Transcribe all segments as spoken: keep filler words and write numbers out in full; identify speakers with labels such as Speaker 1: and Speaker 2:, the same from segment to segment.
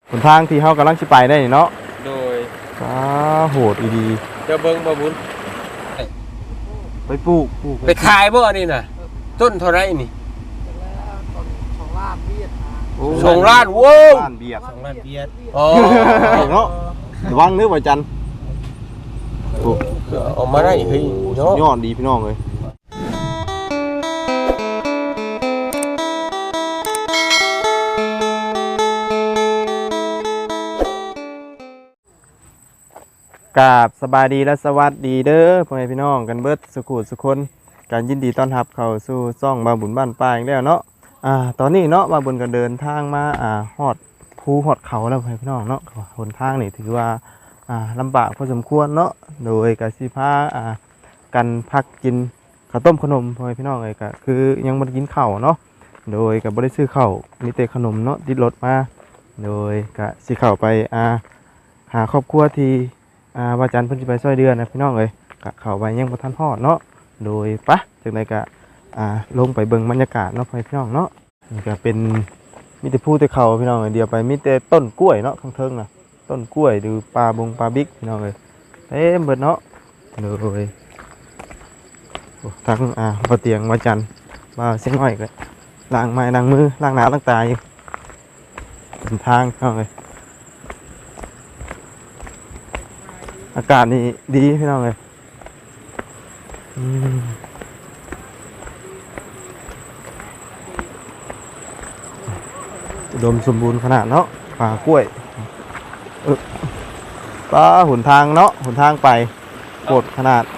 Speaker 1: หนทางที่เฮากำลังสิไปได้เนาะ
Speaker 2: โดย
Speaker 1: อ้าโหดอีดี
Speaker 2: เจ้าเบิ่งบ่บุญ
Speaker 1: ไปปลูกปลูก
Speaker 2: ไปขายบ่นี่น่ะต้นเท่าไรนี่
Speaker 3: สองล้านเบียด
Speaker 2: สองล้านโว้
Speaker 1: ล้านเบียด
Speaker 3: สองล้านเบียด
Speaker 2: อ๋อ
Speaker 1: เนาะระวังเด้อว่าจันโอ้
Speaker 2: ออกมาได้เฮ้ยเนาะ
Speaker 1: ยอดดีพี่น้องเลยกราบสบายดีและสวัสดีเด้อพ่อแม่พี่น้องกันเบิดสุขุสุคนการยินดีต้อนรับเข้าสู่ซ่องบาบุญบ้านป่าอีกแล้วเนาะอ่าตอนนี้เนาะบาบุญก็เดินทางมาอ่าฮอดภูฮอดเขาแล้วพ่อแม่พี่น้องเนาะหนทางนี่ถือว่าอ่าลำบากพอสมควรเนาะโดยกสิพาอ่ากันพักกินข้าวต้มขนมพ่อแม่พี่น้องเลยก็คือยังบ่ได้กินข้าวเนาะโดยก็บ่ได้ซื้อข้าวมีแต่ขนมเนาะติดรถมาโดยก็สิเข้าไปอ่าหาครอบครัวที่อ่าว่าจันเพิ่นสิไปซอยเดือนนะพี่น้องเอ้ยก็เข้าไปยังบ่ทันฮอดเนาะโดยปะจังได๋ก็อ่าลงไปเบิ่งบรรยากาศเนาะพี่น้องเนาะนี่ก็เป็นมีแต่ภูแต่เขาพี่น้องเอ้ยเดียวไปมีแต่ต้นกล้วยเนาะข้างเทิงน่ะต้นกล้วยดูปลาบงปลาบิ๊กพี่น้องเอ้ยเต็มเบิดเนาะโดยโอ้ทั้งอ่าบ่เตียงว่าจันมาเสียงน้อยก็ล้างไม้ล้างมือล้างหน้าล้างตาอยู่เป็นทางพี่น้องเอ้ยอากาศนี่ดีพี่น้องเลยอุดมสมบูรณ์ขนาดเนาะป่ากล้วยป้าหนทางเนาะหนทางไปโกดขนาด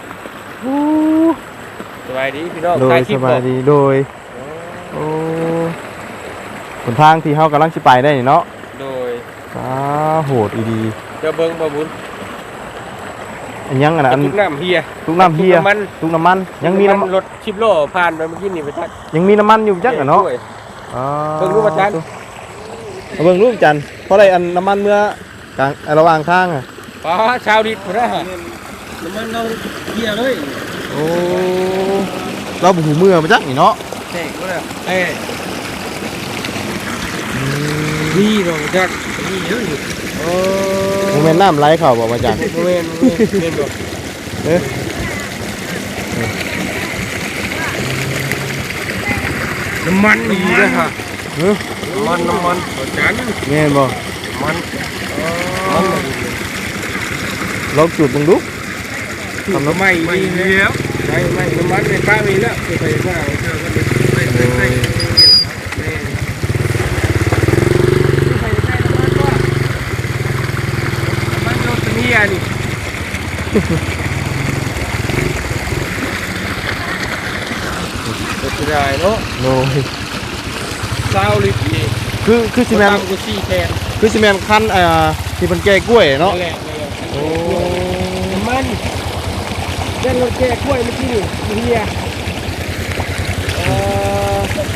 Speaker 2: สบายดีพี่น้อง
Speaker 1: โดยสบายดีโดยโอ้หนทางที่เฮากำลังสิไปได้เนาะ
Speaker 2: โดย
Speaker 1: ป้าโหดอีดี
Speaker 2: เจ้าเบิ่งบ่บุญ
Speaker 1: อันยังอันนั้น
Speaker 2: ทุกน้ำเฮีย
Speaker 1: ทุกน้ำเฮียทุกน้ำมันยังมีน้ำ
Speaker 2: รถชิบโลผ่านไปเมื่อกี้นี่ไปทัก
Speaker 1: ยังมีน้ำมันอยู่จักเนาะ
Speaker 2: เบิ่งรูปจัน
Speaker 1: เบิ่งรูปจันเพราะอะไรอันน้ำมันเมื่อกลางระหว่างทางอ่ะ
Speaker 2: ป้าชาวดิบพุ่นนะน้ำมันเราเฮียเลย
Speaker 1: โอ้เราบุหูเมื่อมาจักนี่เนาะ
Speaker 2: เท่ก็แล้วเอ้นี่เราจักนี่เยอะอยู่
Speaker 1: โอ้โมเมนต์น้ำไหลเข่าบอกว่าจัน
Speaker 2: โมเมนต์โมเมนต์บอก
Speaker 1: เอ๊ะ
Speaker 2: น้ำมันดีเลยค่ะน้ำมันน้ำมันจัน
Speaker 1: เงี้ยบ่
Speaker 2: มันมัน
Speaker 1: ลองจุดมึงดู
Speaker 2: ทำน้ำไม่ไม่แล้วไม่ไม่น้ำมันในป้ามีแล้วไปป้าเธอก็ไปไปไปนี่อันนี้จะได้เนาะ
Speaker 1: โน้ย
Speaker 2: ซาวลิตนี่
Speaker 1: คือคือซีเมนต์คือซีเมนต์คันอ่าที่เป็นแก่กล้วยเนาะ
Speaker 2: โอ้มันเล่นรถแก่กล้วยเมื่อกี้นี่เฮียเออ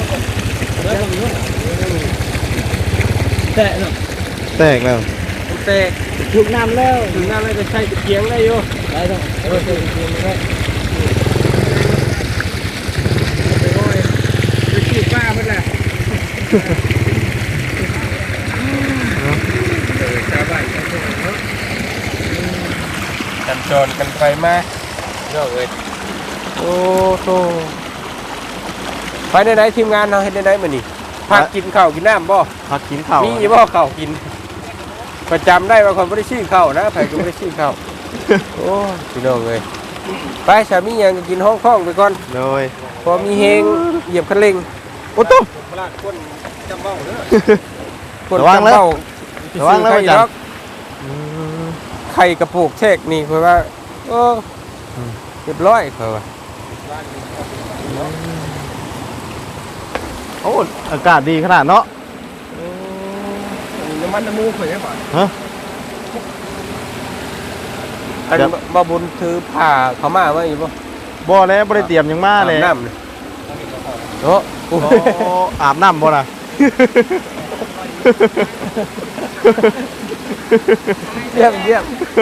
Speaker 2: แตกเนาะ
Speaker 1: แตกแล้ว
Speaker 2: แตกถูกน้ำแล้วถูกน้ำแล้วจะใช้ตะเกียงได้อยู่ได้ต้องเออใช้ตะเกียงได้ไปโอ้ยไปขี้ป้าเพิ่นแหละชาวบ้านกันจรกันไปมาเนาะเอ้ย
Speaker 1: โอ้โต
Speaker 2: ไปไหนๆทีมงานเราเฮ็ดได้มื้อนี้พักกินข้าวกินน้ำบ่
Speaker 1: พักกินข้าว
Speaker 2: มีบ่ข้าวกินประจำได้ว่าคนไม่ได้ชื่อเข้านะใครก็ไม่ได้ชื่อเข้าโอ้พี่น้องเลยไปสามียังกินห้องคล้องไปก่อน
Speaker 1: เลย
Speaker 2: พอมีเฮงเหยียบคันเร่ง
Speaker 1: โอ้ตุ๊บ
Speaker 2: คนจำเบ้าเด้อคนจำเบ้า
Speaker 1: ระวังแล้วจัง
Speaker 2: ไข่กระปุกเช็คนี่เพราะว่าโอ้เรียบร้อยเขาว่า
Speaker 1: โอ้อากาศดีขนาดเนาะ
Speaker 2: น้ำมันน้ำมูกเคยได้ป่ะ
Speaker 1: ฮะ
Speaker 2: อันบ่บุญถือผ่าเขามาไว้อยู่ป่ะ
Speaker 1: บ่แล้วบ่ได้เตรียมยังมาเลย
Speaker 2: น้ำเลยโอ้
Speaker 1: อาบน้ำบ่ล่ะ
Speaker 2: เยี่ยมเยี่ยม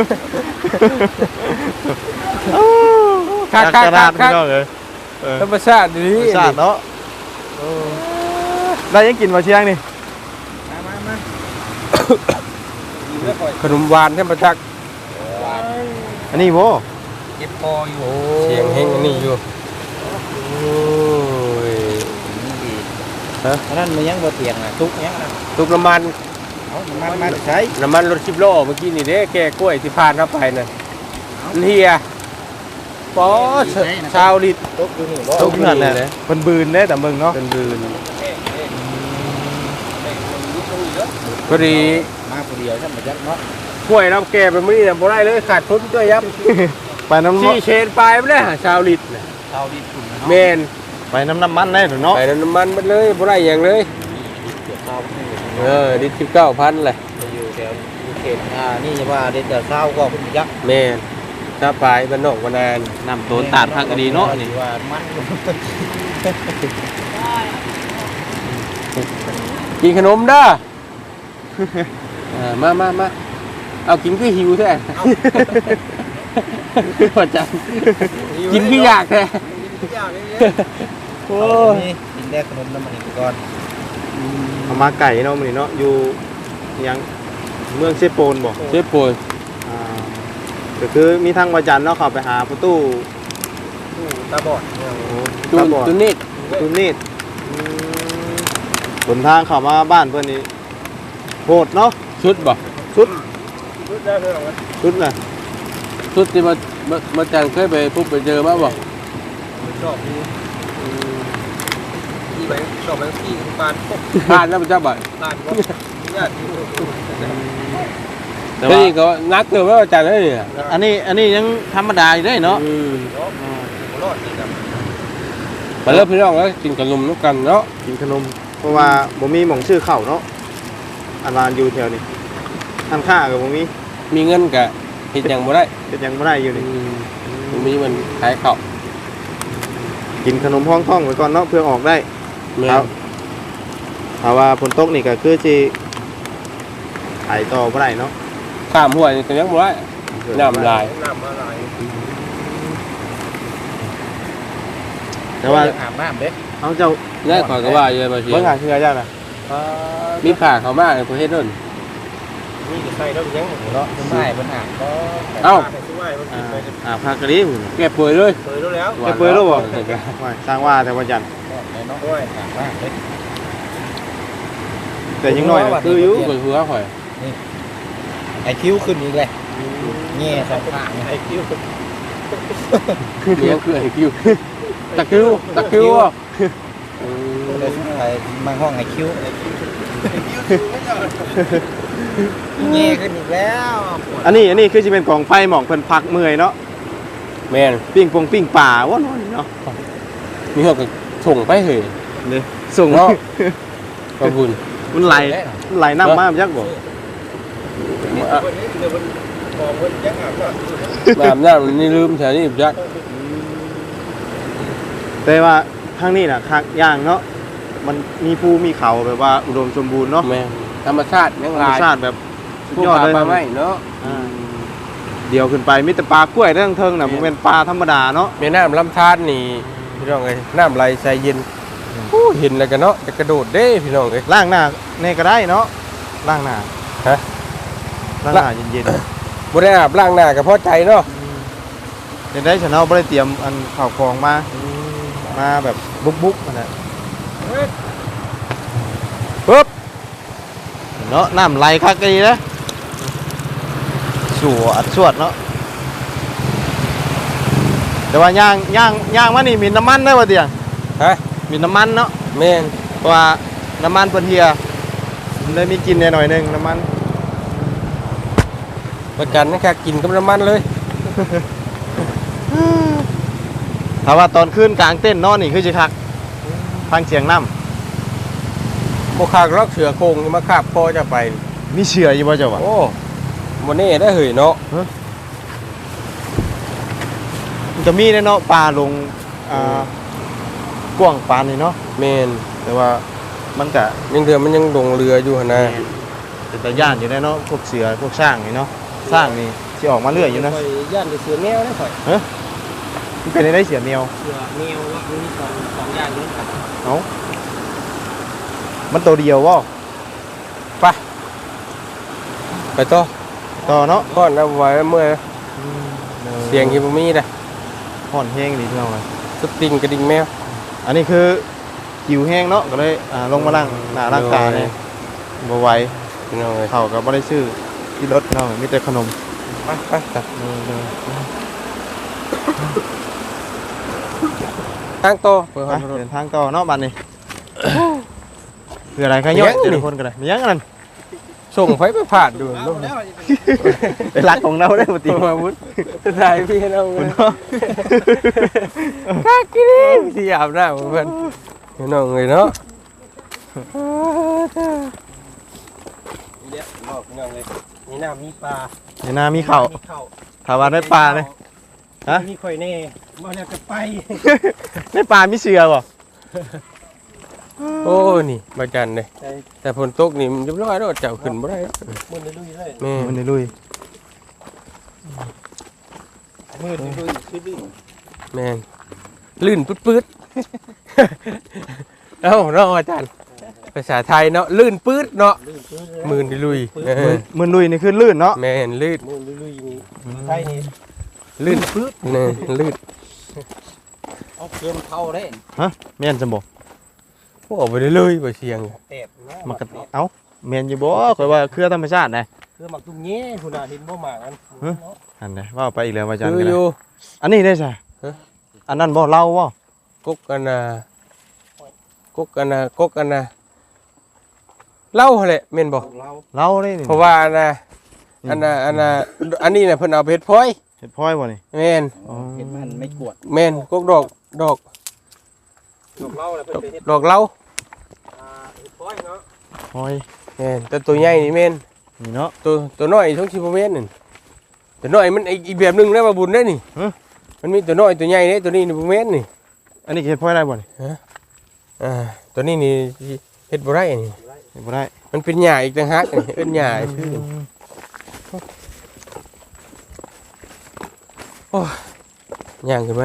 Speaker 1: ขาดขาดขาดขาด
Speaker 2: ธรรมชาติดี
Speaker 1: ธรรมชาติเนาะ ได้ยังกินมาเชียงนี่
Speaker 2: ขนมหวานเทพจักร
Speaker 1: อันนี้โว้
Speaker 3: เจ็บคออยู่
Speaker 2: เสียงเฮงอันนี้อยู่โอ้ย
Speaker 3: ฮะนั่นมันยังบ่เตียงอ่ะทุกยังอ่ะ
Speaker 2: ตุกน้ำมัน
Speaker 3: เอามันมาใช้
Speaker 2: น้ำมันรถสิบล้อเมื่อกี้นี่เด้แก่กล้วยที่ผ่านเข้าไปน่ะมันเฮียปอชาวลิต
Speaker 3: ทุกอยู่นี่บ่
Speaker 1: ตกนั่นแหละเพิ่นบืนเด้แต่เบิ่งเนาะ
Speaker 2: เป็นบืนพอดี
Speaker 3: มาผู้เดียวซั่นบ่จักเนาะ
Speaker 2: กล้วยน้ำแก่ไปมื้อนี้น่ะบ่ได้เลยขาดทุนด้วยยับ
Speaker 1: ไปน้ำ
Speaker 2: ที่เชนปลายไปเลยชาวลิตน่ะ
Speaker 3: ชาวดีทุน
Speaker 2: แมน
Speaker 1: ไปน้ำน้ำมันได้หรือเนาะ
Speaker 2: ไปน้ำมันมันเลยบ่ได้อย่างเลย
Speaker 3: เกี่ยวข้าวนี่
Speaker 2: เออดิสิบเก้าพันเลย
Speaker 3: อยู่แถวอยู่เขตอ่านี่จะว่าเด็ดแต่เช้าก็คุณยักษ์
Speaker 2: แม่นถ้าปลายบ้านนอกบ้านนาน
Speaker 1: น้ำโตนตาดพักก็ดีเนาะนี่
Speaker 3: ว่ามัน
Speaker 2: กินขนมเด้อเออมามามาเอากินคือหิวแท้พอจังกินคืออยากแท้โอ้ย
Speaker 3: นี่กินได้ขนมน้ำมันอีกก่อน
Speaker 1: เอามาไก่เนาะมื้อนี้เนาะอยู่ยังเมืองเซโปนบ่
Speaker 2: เจ็บป่วย
Speaker 1: อ่าก็คือมีทางวาจันทร์เนาะเข้าไปหาประตู
Speaker 3: ตาบอด
Speaker 2: ตุนตุนนิด
Speaker 1: ตูนิดอืมหนทางเข้ามาบ้านเพิ่นนี่โหดเนาะ
Speaker 2: ชุดบ่
Speaker 1: สุดสุดน่ะ
Speaker 2: ชุดที่มามามาจังเคยไปปุ๊บไปเจอมาบ่
Speaker 3: ชอบนี่ที่ไปชอบไปที่ปานพวก
Speaker 2: ผ่านแล้วมันจะบ่
Speaker 3: ปานพวกญาติ
Speaker 1: แต่
Speaker 2: เฮ้
Speaker 1: ว่าย
Speaker 2: ก็นักเกินว่าจังเลยเนี่ย
Speaker 1: อันนี้อันนี้ยังธรรมดาอยู่ได้เนาะ
Speaker 2: อืม
Speaker 3: รอดนี่ครับ
Speaker 2: มาเริ่มพี่น้องแล้วกินขนมน้ำกันเนาะ
Speaker 1: กินขนมเพราะว่าบ่มีหม่องชื่อเข้าเนาะอันวานอยู่แถวนี้อันค่าก็บ่มี
Speaker 2: มีเงินกะเห็นยังบ่ได้
Speaker 1: เป็นยังบ่ได้อยู่นี่
Speaker 2: มันมีมันขายข้าว
Speaker 1: กินขนมห้องท้องไว้ก่อนเนาะเพื่อออกได้
Speaker 2: แม่
Speaker 1: ครับถ้าว่าฝนตกนี่ก็คือสิขายต่อบ่ได้เนาะ
Speaker 2: ข้ามห้วยนี่ก็ยังบ่ได้น้ำลาย
Speaker 3: น้ำอะไร
Speaker 1: แต่ว่า
Speaker 3: อาบน้ำเด้
Speaker 1: เอาเจ้า
Speaker 2: ได้ขอยก็ว่าเยอะมาสิ
Speaker 1: เบิ่งหาคือเจ้าน่ะ
Speaker 2: มีผ่าเขามากในประเทศนั่น
Speaker 3: นี่จะใส่แล้วยังเนาะไม่ได้ปัญหาก็
Speaker 2: เอ้า
Speaker 3: ช่วยมัน
Speaker 1: อ่า
Speaker 3: ไป
Speaker 1: อ่าพากะลีพุ่น
Speaker 2: แกป่วยเลย
Speaker 3: เคยรู้แล้ว
Speaker 1: แกเปิดแล้วบ่ว่าสร้างว่าแต่วันจันทร์
Speaker 3: เนาะด้วยอาบน้ำเด้
Speaker 1: แต่ยังน้อยน่ะคืออยู่
Speaker 2: ปวดหัวข่อย
Speaker 3: ไอคิวขึ้นอีกเลยแง่สองข้างไอคิว
Speaker 2: เลี้ยงคือไอ้คิวตะคิวตะคิวอ่ะ
Speaker 3: เลยไอมาห้องไอคิวแง่ขึ้นอีกแล้ว
Speaker 1: อันนี้อันนี้คือสิเป็นกองไฟหมองเพิ่นพักเมื่อยเนาะ
Speaker 2: แม่น
Speaker 1: ปิ้งปงปิ้งป่าว่าน้อยเนาะ
Speaker 2: มีเขาก็ส่งไปเหย
Speaker 1: นี่ส่ง
Speaker 2: เนาะ ขอบคุณ
Speaker 1: มันไหลมันไหลน้ำมาจักบ่
Speaker 2: แบบนั้นนี่ลืมแถวนี้จัก
Speaker 1: แต่ว่าทางนี้น่ะคักย่างเนาะมันมีภูมีเขาแบบว่าอุดมสมบูรณ์เนาะ
Speaker 2: แม่ธรรมชาติยัง
Speaker 1: ธรรม
Speaker 2: ลาย
Speaker 1: ชาติแบบสุด
Speaker 2: ผู้
Speaker 1: ยอด
Speaker 2: พา
Speaker 1: เลย
Speaker 2: ปลาไม้เนาะ
Speaker 1: อ่าเดี๋ยวขึ้นไปมีแต่ปลากล้วยเรื่องเทิงน่ะบ่แม่นปลาธรรมดาเนาะ
Speaker 2: แม่น้ำลำธารนี่พี่น้องเอ้ยน้ำไหลใสเย็นโอ้เห็นแล้วกันเนาะจะกระโดดเด้พี่น้องเอ้ย
Speaker 1: ล้างหน้านี่ก็ได้เนาะล้างหน้า
Speaker 2: ฮะ
Speaker 1: ล้างหน้าเย็น
Speaker 2: บ่ได้อาบล้างหน้าก็พอใจเนาะ
Speaker 1: ๆเดี๋ยวได้ฉันเอาบ่ได้เตรียมอันข้าวของมามาแบบบุกๆนั่นแหละ
Speaker 2: ปึ๊บ
Speaker 1: เนาะน้ำไหลคักดีนะสวดสวดเนาะแต่ว่าย่างย่างย่างมานี่มีน้ำมันได้บ่เตียง
Speaker 2: ฮะ
Speaker 1: มีน้ำมันเนาะ
Speaker 2: แม่น
Speaker 1: เพราะว่าน้ำมันเพิ่นเฮียมันเลยมีกลินหน่อยๆนึงน้ำมัน
Speaker 2: ประกันนะครับกินกับน้ำมันเลย
Speaker 1: ถ้าว่าตอนคืนกลางเต้นนอนนี่คือสิคักฟังเสียงน้
Speaker 2: บ่คากลอกเสือโคงนี่มาคาบคอจะไป
Speaker 1: ำมีเชื่ออยู่บ่เจ้าวะ
Speaker 2: โอ้บ่แน่ได้เหยเนาะ
Speaker 1: มันจะมีแน่เนาะปลาลงอ่ากว้างปานนี่เนาะ
Speaker 2: แม่น
Speaker 1: แต่ว่ามันก็
Speaker 2: ยังเถื่อมันยังลงเรืออยู่หั่นนะ
Speaker 1: เป็นตาย่านอยู่ได้เนาะพวกเสือพวกช้างนี่เนาะช้างนี่สิออกมาเรื่อยอยู่นะ
Speaker 3: ข่อยย่านจะเสือแมวได้ข่อย
Speaker 1: มันเป็นได้เสือแมว
Speaker 3: เสือแมวว่ามันมีสองสองอย่างนี้ครับ
Speaker 1: เอ้ามันตัวเดียวบ่
Speaker 2: ไปไปต่อ
Speaker 1: ต่อเนาะ
Speaker 2: ก่อนเอาไว้เมื่อยเสียงที่บ่มีน่ะ
Speaker 1: ห่อนแห้งดีพี่น้องเลย
Speaker 2: สติงกระดิ่งแมว
Speaker 1: อันนี้คือหิวแห้งเนาะก็เลยอ่าลงมาล้างหน้าล้างตาเนี่ยบ่ไหว
Speaker 2: พี่น้องเอ้ย
Speaker 1: เขาก็บ่ได้ซื้อที่รถพี่น้องมีแต่ขนม
Speaker 2: ไปไปไปทางโตเปิด
Speaker 1: ไป
Speaker 2: ห้องรถ
Speaker 1: เดินทางต่อเนาะบัดนี้คืออะไรขยอดแต่ละคนกันเลยมีหยังกันนั่น
Speaker 2: ส่งไฟไปผ่านดูลูก
Speaker 1: เป็นรักของเราได้ปกติ
Speaker 2: มาวุ้นถ่ายพี่เราเนาะกากินที่อาบน้ำเพื่อนพี่น้องเลยเนาะนี่บอกพี่น้องเลยมีน้ำมีปลา
Speaker 1: ในนามีข้าวถามว่าได้ปลาเลย ฮะ
Speaker 2: มีข่อยแน่มาแล้วจะไป
Speaker 1: ได้ปลามีเสือบ่
Speaker 2: โอ้นี่มาจันเลยแต่ฝนตกนี่มันเรียบร้อยแล้วเจ้าขึ้นบ่ได้
Speaker 3: มือในลุยเลย
Speaker 2: แม่
Speaker 1: มันในลุย
Speaker 3: มือในลุยคือลื่น
Speaker 2: แม่ลื่นปื๊ดๆเอ้าเนาะอาจารย์ภาษาไทยเนาะลื่นปื๊ดเนาะมือดิลุย
Speaker 1: มันลุยนี่คือลื่นเนาะ
Speaker 2: แม่นลื่น
Speaker 3: มือในลุยนี่ไทยนี่
Speaker 2: ลื่นปื๊ดนี่ลื่น
Speaker 3: เอาเกลือมันเข้าได้
Speaker 1: แม่นจะบ่
Speaker 2: พวกไปเลยไปเชียง
Speaker 3: แตบนะ
Speaker 1: มันก็เอ้าแม่นอยู่บ่ข่อยว่าเครือธรรมชาตินะ
Speaker 3: เกลือหมักตุ้งแง่คุณน่ะเห็นบ่หมากกัน
Speaker 1: อันนี้ว่าไปอีกแล้วอาจารย์
Speaker 2: คือ
Speaker 1: กัน
Speaker 2: อ
Speaker 1: นะ
Speaker 2: ยู่
Speaker 1: อันนี้ได้ซะ
Speaker 2: ฮะ
Speaker 1: อันนั้นบ่เล่าบ่
Speaker 2: กกกันนะกกกันนะกกกันนะเล่าแหละแม่นบ่
Speaker 3: เรา
Speaker 1: เล่าได้นี่
Speaker 2: เพราะว่านะอันน่ะอันน่ะอันนี้น่ะเพิ่นเอาไปเฮ็ดพลอย
Speaker 1: เห็ดพลอยบ่นี่
Speaker 2: แม่น
Speaker 1: อ๋อ
Speaker 3: เห็นมันไม่กวด
Speaker 2: แม่นกกดอกดอก
Speaker 3: ดอกเราแล้ว
Speaker 2: ด
Speaker 3: เพิ่
Speaker 2: อน ก
Speaker 3: ไปเฮ็ด
Speaker 2: ดอกเหล้า
Speaker 3: อ่าเฮ็ดพ้อยเนาะ
Speaker 1: พลอย
Speaker 2: แม่นแต่ตัวใหญ่นี่แม่น
Speaker 1: นี่เนาะ
Speaker 2: ตัวตัวน้อยช่องสิบ่แม่นนั่นตัวน้อยมันอีกอีกแบบหนึงนะว่าบุญเด้นี่
Speaker 1: ฮะ
Speaker 2: มันมีตัวน้อยตัวใหญ่เด้ตัวนี้นี่บ่แม่นนี่
Speaker 1: อันนี้เห็ดพลอยได้บ่นี่
Speaker 2: อ่าตัวนี้นี่เฮ็ดบ่ได้นี่
Speaker 1: เห็ดบ่ได้
Speaker 2: มันเป็นหญ้าอีกต่างหากนี่เอิ้นหญ้าชื่อโอ้ยย่างขึ้นมา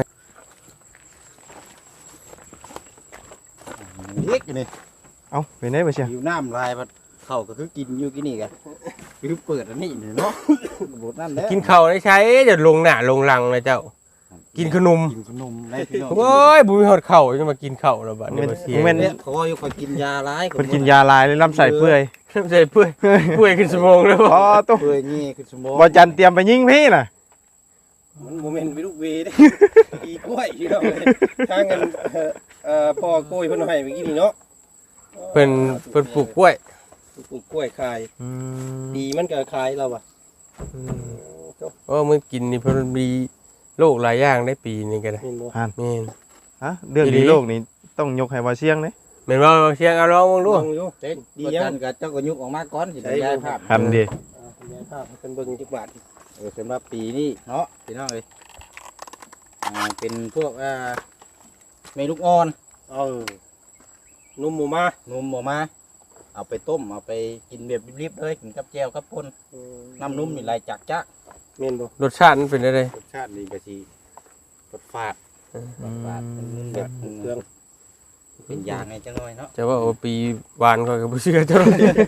Speaker 3: เล็กอยู่นี่
Speaker 1: เอ้าเป็นได้บ่เชีย
Speaker 3: อยู่น้ำลายมันเข้าก็คือกินอยู่กินนี่กันคือเปิดอันนี้นี่เนาะบทนั่นแหละ
Speaker 2: กินข้าวได้ใช้จะลงหน้าลงหลังนะเจ้า กินขนม
Speaker 3: กินขนมได้พี่น้อง
Speaker 2: โอ้ยบุ้ยหอดเข่าจะมากินเข่าแล้วบัดนี้มาเสีย
Speaker 1: แม่น
Speaker 3: เนี่ยเขาอยู่คนกินยาร้าย
Speaker 1: เพิ่นกินยาลายเลยลำไส้เปื่อย
Speaker 2: ใส่เปื่อยเปื่อยขึ้นสมองแล้ว
Speaker 1: อ๋อตุ๊
Speaker 3: เปื่อยนี่คือสมอง
Speaker 1: บ่จันเตรียมไปยิงพี่น่ะ
Speaker 3: มันโมเมนต์วิลูกเวได้อีกล้วยพี่น้องเลยทางกันเอ่อเอ่อพ่อกล้วยเพิ่นให้เมื่อกี้นี่เนาะ
Speaker 2: เป็นเป็นปลูกกล้วย
Speaker 3: ปลูกกล้วยขาย
Speaker 1: อืม
Speaker 3: ดีมันก็ขายเราอ่ะ
Speaker 2: โอ้มื่อกินนี่เพนมีโรคหลายอย่างได้ปีนี้ก็ได้
Speaker 3: เห็นบ่
Speaker 2: แม่น
Speaker 1: ฮะเรื่อง
Speaker 2: อีหลี
Speaker 1: ดีโลกนี่ต้องยกให้ว่าเชียงเด้
Speaker 2: แม่นว่าเชียงเอาลองมองดู
Speaker 3: ลองอยู่เด็ดดียังกับเจ้าก็ยุกออกมาก่อนสิได้ย้ายภาพ
Speaker 1: ทำดี
Speaker 3: อ่าย้ายภาพให้เป็นเบิ่งจักบาทเออสำหรับปีนี้เนาะพี่น้องเอ้ยอ่าเป็นพวกอ่าเมลูกอ่อน
Speaker 2: เออนุ่มหมูมา
Speaker 3: นมออกมาเอาไปต้มเอาไปกินแบบรีบๆเลยกินกับแจ่วกับป่นน้ำนุ่มนี่ไหลจากจ้ะ
Speaker 2: แม่นบ่รสชาติมันเป็นอะไร
Speaker 3: รสชาตินี่ก็สิรสฟาด
Speaker 1: อืม
Speaker 3: ฟาดเป็นนุ่มแบบเครื่องเป็นยางไงจังหน่อยเนาะ
Speaker 2: จะว่าโอ้ปีหวานก็บ่เชื่อเท่าไหร่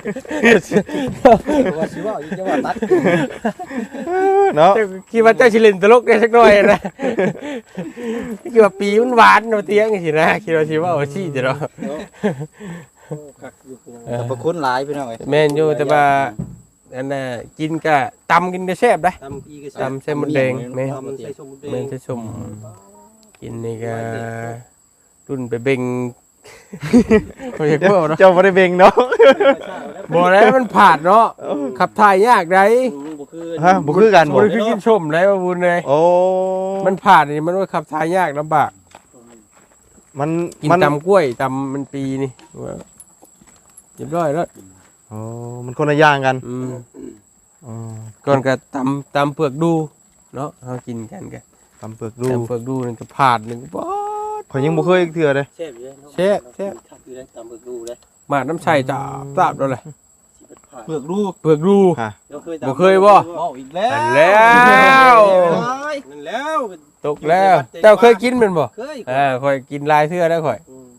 Speaker 3: ว่าสิว่าอีกจะว่าตัด
Speaker 1: เนาะ
Speaker 2: คิดว่าเจ้าสิเล่นตลกได้สักหน่อยนะคิดว่าปีมันหวานเนาะเตียงสินะคิดว่าสิว่าโอ้ซี่จะเนาะ
Speaker 3: คักอยู่แต่ประคุณหลายพี่น้องเอ้ย
Speaker 2: แม่นอยู่แต่ว่าอันน่ะกินก็ตำกินก็แซ่บได้
Speaker 3: ตำปีก็
Speaker 2: ตำใส่หมดแดงแม่
Speaker 3: ตำใส่สมแด
Speaker 2: แม่
Speaker 3: ง
Speaker 2: นจะชมกินนี่ก็รุ่นไปเบ่งเขาอยากบอกเนาะ
Speaker 1: เจ้าบ่ได้เบ่งเนาะ
Speaker 2: บอกแล้วมันผาดเนาะขับถ่ายยากได้
Speaker 3: บ่คือ
Speaker 1: ฮะบ่คือกัน
Speaker 2: บ่
Speaker 1: บ่
Speaker 2: ได้คือกินชมได้ว่าบุญเลย
Speaker 1: โอ้
Speaker 2: มันผาดนี่มันว่าขับถ่ายยากลำบาก
Speaker 1: มัน
Speaker 2: กิน
Speaker 1: มัน
Speaker 2: ตำกล้วยตำมันปีนี่ว่าเรียบร้อยแล้ว
Speaker 1: โอ้มันคนละอย่างกัน
Speaker 2: อืม
Speaker 1: อ๋อ
Speaker 2: ก่อนก็ตำตำเปลือกดูเนาะเฮากินกันกัน
Speaker 1: ตำเปลือกดู
Speaker 2: ตำเปลือกดูนี่ก็ผาดนึงป๊อด
Speaker 1: ข่อยยังบ่เคยเทื่อเลย
Speaker 3: แซ่บอยู่เลยเนาะ
Speaker 2: แซ่บแซ่บ
Speaker 3: คักอยู่เลยตำเบิกดูเลย
Speaker 2: มาดน้ำใส่จ้าตาบแล้วแหละ
Speaker 3: เปลือกรู
Speaker 2: เปลือกดู
Speaker 1: ฮะ
Speaker 2: บ่เคยบ่
Speaker 3: เมาอีกแล้ว
Speaker 2: นั่นแล้ว
Speaker 3: นั่นแล้ว
Speaker 2: ตกแล้วเจ้าเคยกินแมันบ่
Speaker 3: เคย
Speaker 2: อ่าข่อยกินหลายเทื่อแล้วข่อย
Speaker 3: อืม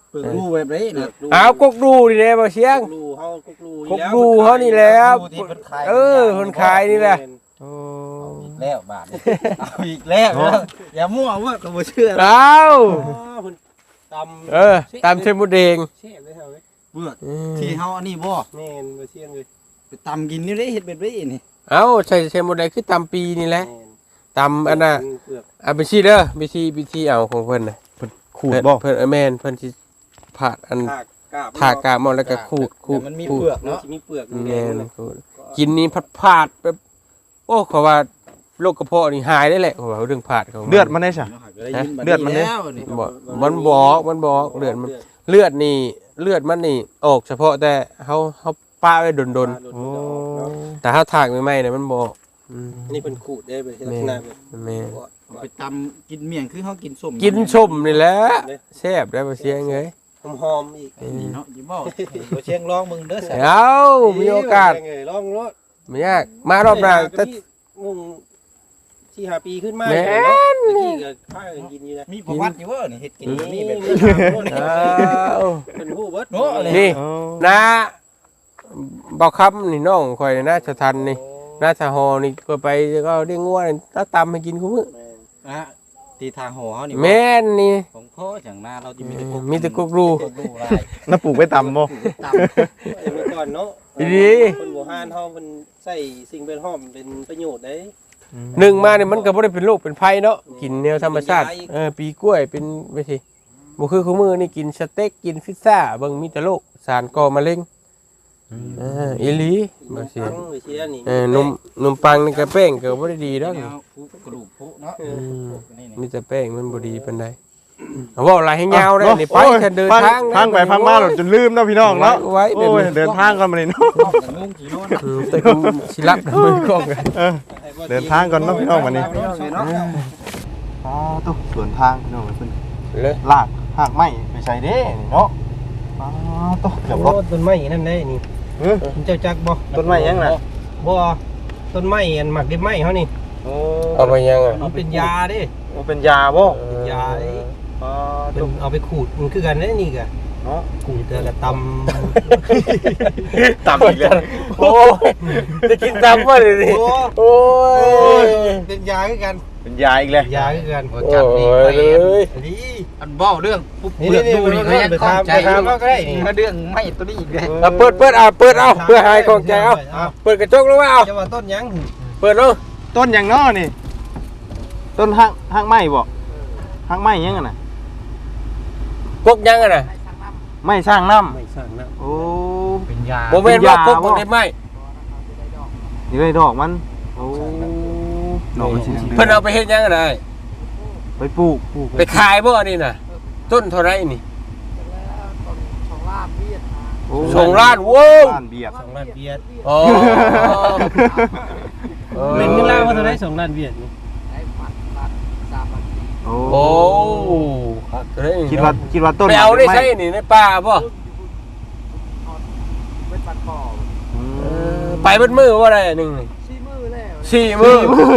Speaker 3: เปิดรูแบบนี้นะ
Speaker 2: เอากกดูนี่แหละบ่เสียง
Speaker 3: รูเฮากกรู
Speaker 2: กกดูเฮานี่แหละ
Speaker 3: ที่เพิ่นขาย
Speaker 2: เออคนขายนี่แหละโอ้
Speaker 3: เอาอีกแล้วบาทนี่เอาอีกแล้วอย่ามั่วว่าก็บ่เชื่อ
Speaker 2: เอา
Speaker 3: เพิ่นตำ
Speaker 2: เออตามเส้นหมูแดง
Speaker 3: แซ่บเลยเฮาเว้ยเบือกที่เฮาอันนี้บ่แม่นบ่เที่ยงเลยไปตำกินนี่ได้เฮ็ดแบบนี้นี่
Speaker 2: เอาใส่เส้นหมูแดงคือตามปีนี่แหละ
Speaker 3: แม่น
Speaker 2: ตามอันน่ะ
Speaker 3: เปลือก
Speaker 2: เอาไปชี้เด้อไปชี้ไปชี้เอาของเพิ่นน่ะ
Speaker 1: ขูดบ่
Speaker 2: เพิ่นเออแม่นเพิ่นสิผ่าอัน
Speaker 3: ถากกาบ
Speaker 2: ผ่ากาบมันแล้วก็ขูดขูด
Speaker 3: แต่มันมี
Speaker 2: ขูด
Speaker 3: เปลือกเนาะมีเปลือก
Speaker 2: แม่นขูดกินนี่ผัดผาดแบบโอ้เขาว่าโรคกระเพาะนี่หายได้แหละเขาว่าเรื่องผาดของ
Speaker 1: เลือดมันได้ซะ เลือดมันเนี่ย
Speaker 2: บ่มันบอกมันบอกเลือดมันเลือดนี่เลือดมันนี่ออกเฉพาะแต่เฮาเฮาป้าไว้ดน
Speaker 1: โอ้
Speaker 2: ๆแต่เฮาถากใหม่ๆเนี่ยมันบ่อืม
Speaker 3: นี่เป็นขูดได้เป็นลักษณะแบบ
Speaker 2: แม่
Speaker 3: ไปตำกินเมี่ยงคือเขากินส้ม
Speaker 2: กินชมนี่แหละแซ่บได้บ่เสียงเอ้ย
Speaker 3: หอมๆอีกนี่เนาะอย่าบอกบ่เชียงร้องมึงเด้อส
Speaker 2: เอามีโอกาส
Speaker 3: ร้องรถ
Speaker 2: ไม่ยากมารอบหน้าแต่
Speaker 3: งงสี่ห้าปีขึ้นมา
Speaker 2: แม่น
Speaker 3: เนาะตะกี้ก็พากันกินอยู่นะมีประวัติอยู่ว่านี่เฮ็ดกินนี่แบบนี้
Speaker 2: เอา
Speaker 3: เป็นฮู้เบิด
Speaker 2: นี่
Speaker 1: โอ้
Speaker 2: นะบ่คำนี่น้องข่อยนี่นะสะทันนี่นาสะฮอนี่ก็ไปก็ได้งัวนี่ถ้าตำให้กินคุมื้อ
Speaker 3: นะตีทางหอเฮานี่
Speaker 2: แม่นนี่
Speaker 3: ของพ่อจังหน้าเราจะมีแต่
Speaker 2: มีแต่กุกรู
Speaker 3: กดูลาย
Speaker 1: น้าปลูกไปตำบ่
Speaker 3: ตำเมื่อก่อนเนาะ
Speaker 2: ดี
Speaker 3: คนโบราณเฮาเพิ่นใส่สิ่งเป็นหอมเป็นประโยชน์ได้
Speaker 2: หนึ่งมาเนี่ยมันก็บ่ได้เป็นโรคเป็นภัยเนาะกินแนวธรรมชาติเออปีกล้วยเป็นไปสิบ่คือคุมื้อนี่กินสเต็กกินพิซซ่าเบิ่งมีแต่โรคสารก่อมะเร็งเอออีหลีบ่เสีย
Speaker 3: ตั้งไว้เสียนี่
Speaker 2: เออนมนมปังนี่ก็แป้งก็บ่ได้ดีดอก
Speaker 3: แนวผู้กระดูกผู้เนาะ
Speaker 2: อืม
Speaker 3: นี่
Speaker 2: มีแต่แป้งมันบ่ดีปานใดเอาเว้าหลายให้ยาวได้นี่ไป
Speaker 1: โอ้ย
Speaker 2: แค่เดินทาง
Speaker 1: ทางไปพังมาจนลืมเนาะพี่น้องเนาะ
Speaker 2: ไว้
Speaker 1: โอ้ยเดินทางก่อนมานี่เนาะ
Speaker 3: งงกี่โล
Speaker 2: อืมแต่กูสิรับมือกล้องกัน
Speaker 1: เออ เดินทางก่อนเนาะพี่น้องวันนี้
Speaker 3: เนาะ
Speaker 1: อ๋อตุ๊สวนทางพี่น้องเพิ่น
Speaker 2: เลย
Speaker 1: ลากหากไม้ไปใส่เด้นี่เนาะอ๋อตุ๊เกือบรถ
Speaker 3: ต้นไม้นั่นได้นี่
Speaker 1: เฮ้ย
Speaker 3: เจ้าจักบ่
Speaker 1: ต้นไม้ยังน่ะ
Speaker 3: บ่ต้นไม้อันหมักเด็บไม้เฮานี่
Speaker 1: โอ้
Speaker 2: เอาไปยังอ่ะ
Speaker 3: มันเป็นยาเด้
Speaker 1: มันเป็นยาบ่
Speaker 3: เป็นยาเด้
Speaker 1: อ๋อ
Speaker 3: เป็น
Speaker 1: ตุ๊
Speaker 3: เอาไปขูดมันคือกันเด้นี่ก็
Speaker 1: เนาะ
Speaker 3: ขูดแต่ละตำ
Speaker 1: ต่ำอีกแล้ว
Speaker 2: โอ้ยจะกินตามว่าเลยนี่
Speaker 3: โอ้
Speaker 2: โอ้ย
Speaker 3: เป็นยาคือกัน
Speaker 1: เป็นยาอีกแล้ว
Speaker 3: ยาคือกัน
Speaker 2: จับนี่ไปเลย
Speaker 3: นี่
Speaker 4: อันเบ้าเรื่องปุ๊บ
Speaker 3: นี่
Speaker 4: เลือก
Speaker 3: นี่
Speaker 4: ดูนี่
Speaker 3: นี่
Speaker 4: เขายัง
Speaker 3: ไป
Speaker 4: ข้อง
Speaker 3: ทำ
Speaker 4: ใจ
Speaker 3: ไปทำก็ได้นี่
Speaker 4: มาเรื่องไม่ตัวนี้อีกเลย
Speaker 2: เอาเปิดเปิดเอาเปิดเอาเพื่อหายของใจเอาเปิดกระจกลงมาเอา
Speaker 3: จะว่าต้นยัง
Speaker 2: เปิดลง
Speaker 1: ต้นหยังเนาะนี่ ต้นหางหางไม้บ่หางไม้ยังอะน่ะ
Speaker 2: กกยังอ่ะน่ะ
Speaker 1: ไม้สร้างน้ำ
Speaker 3: ไม่สร้างน้
Speaker 1: โอ้
Speaker 4: เป็นยา
Speaker 2: บ่แม่นว่ากก
Speaker 1: เป็นยาบ่
Speaker 2: บ่ได้ไหม
Speaker 1: นี่เลยดอกมัน โอ้ดอกมันสีเหลือง
Speaker 2: เพิ่นเอาไปเฮ็ดยังอ่ะได้
Speaker 1: ไปปลูกปลูก
Speaker 2: ไปขายบ่อันนี่น่ะ ต้นเท่าไรนี่
Speaker 1: โอ้
Speaker 2: สองล้านโว้ว
Speaker 1: ล้านเบียด
Speaker 3: ำสองล้านเบียด
Speaker 2: อ๋อ
Speaker 3: เป็นเงินล่างว่าเท่าไรสองล้านเบียดนี่
Speaker 1: โอ้
Speaker 2: โอ้ครับเฮ้ย
Speaker 1: คิดว่าคิดว่าต้น
Speaker 2: ไปเอาได้ใช่นี่ในป่าบ่
Speaker 1: อืม
Speaker 2: ไปเบิดมือบ่ได้อันหนึงนี่สี่มือแล้วสี่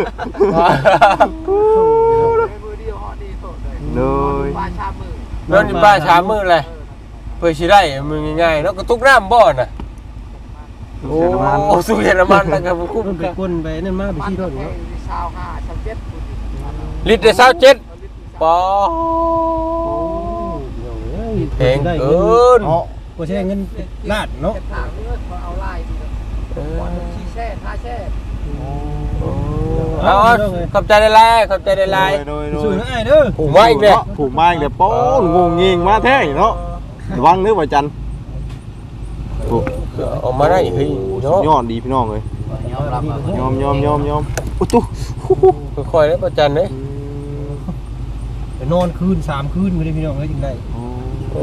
Speaker 2: มือ
Speaker 1: เลย
Speaker 2: นอนอยู่ป่าสามมือเลยเพื่อสิได้มือง่ายๆเนาะก็ตุกน้ำบ่น่ะโอ้สุเยอรมันนะครับคุ้ม
Speaker 3: มันไปก้นไปนั่นมาไปที่รถเนาะ
Speaker 2: ลิตรได้สามสิบเจ็ดปอแพงเกิน
Speaker 1: เนาะ
Speaker 3: ก็ใช้เงินลาดเนาะ
Speaker 2: เอาขอบใจได้ไล่ขอบใจได้ไล่
Speaker 1: โดยโด
Speaker 3: สู้
Speaker 1: ย
Speaker 3: นะไอ้เด้อ
Speaker 2: ผูกไว้อีกเลย
Speaker 1: ผูกมาอีกแล้วโป้งงงยิงมาแท้เนาะระวังเด้อว่าจันโอ้
Speaker 2: ออกมาได้เฮ้ยเนาะ
Speaker 1: ยอดดีพี่น้องเลย
Speaker 4: ยอมรับ
Speaker 1: ยอมยอมยอมยอมอุตุ
Speaker 2: ค่อยๆแล้วประจันเลย
Speaker 3: ไปนอนคืนสามคืนไม่ได้พี่น้องเลยจึงได้
Speaker 2: โอ้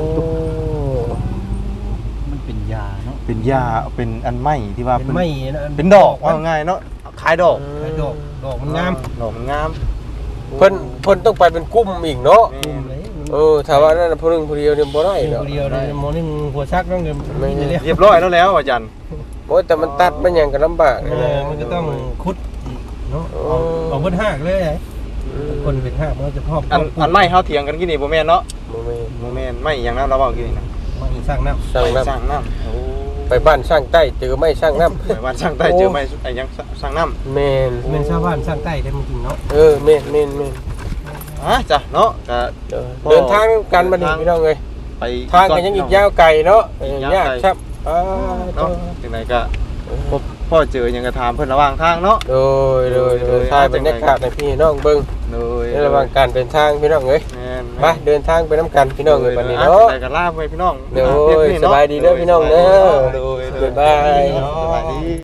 Speaker 3: มันเป็นยาเนาะ
Speaker 1: เป็นยาเป็นอันไม้ที่ว่า
Speaker 3: เป็นไม้นะ
Speaker 1: เป็นดอกว่าง่ายเนาะขายดอก
Speaker 3: ไอ้ดอกดอกมันงาม
Speaker 1: ดอกมันงาม
Speaker 2: เพิ่นเพิ่นต้องไปเป็นกุ้มอีกเนาะ
Speaker 3: กลุ่มเลย
Speaker 2: เออถ้าว่านั่นผู้นึงผู้เดียวเนี่ยบ่ได้
Speaker 3: เดีย
Speaker 2: เนาะ
Speaker 3: วเดียวเลยมอนึงหัวชักต้องเดินนี่เลย
Speaker 1: เรียบร้อยแล้วแล้วอาจารย์
Speaker 2: โอ้ยแต่มันตัดมันหยังก็ลำบาก
Speaker 3: เออมันก็ต้องคุดเนาะเอาเอาเบิดหักเลย
Speaker 2: คนเป็นห้ามันจะพอก
Speaker 1: อันอันไม่เฮาเถียงกันกินนี่บ่แม่นเนาะ
Speaker 2: โมเมน
Speaker 1: บ่แม่นไม่อย่างนั้นเราเว้ากินนี่นะ
Speaker 2: ไม่สร้างน้ำสร้าง
Speaker 1: ไป
Speaker 2: น้
Speaker 1: สร้างน้ำโอ้
Speaker 2: ำไปบ้านสร้างใต้เจอไม่สร้างน้ำ
Speaker 1: ไปบ้านสร้างใต้เจอไม่ไอ้หยังสร้างน้ำ
Speaker 2: เมน
Speaker 4: เมนชาวบ้านสร้างใต้ได้มึงจริงเนาะ
Speaker 2: เออเมนเมนเมน
Speaker 1: ฮะจ้ะเนาะก็
Speaker 2: เออเดินทางกันมาดิพี่น้องเลย
Speaker 1: ไป
Speaker 2: ทางกันยังอีกยาวไกลเนาะเออยากครับอ่า
Speaker 1: เนาะจังไดก็พบพ่อเจอหยังก็ถามเพิ่นระหว่างทางเนาะ
Speaker 2: โดยโดยโดยทายบรรยากาศในพี่น้องเบิ่ง
Speaker 1: โดย
Speaker 2: ในระหว่างการเดินทางพี่น้องเอ้ย
Speaker 1: แม่น
Speaker 2: ไปเดินทางไปน้ำกันพี่น้องเลยบัดนี้เนาะ
Speaker 1: ไปกันลาไปพี่น้อง
Speaker 2: โดยสบายดีเด้อพี่น้องเด้อ
Speaker 1: โดย
Speaker 2: บ๊ายบาย
Speaker 1: สบายดี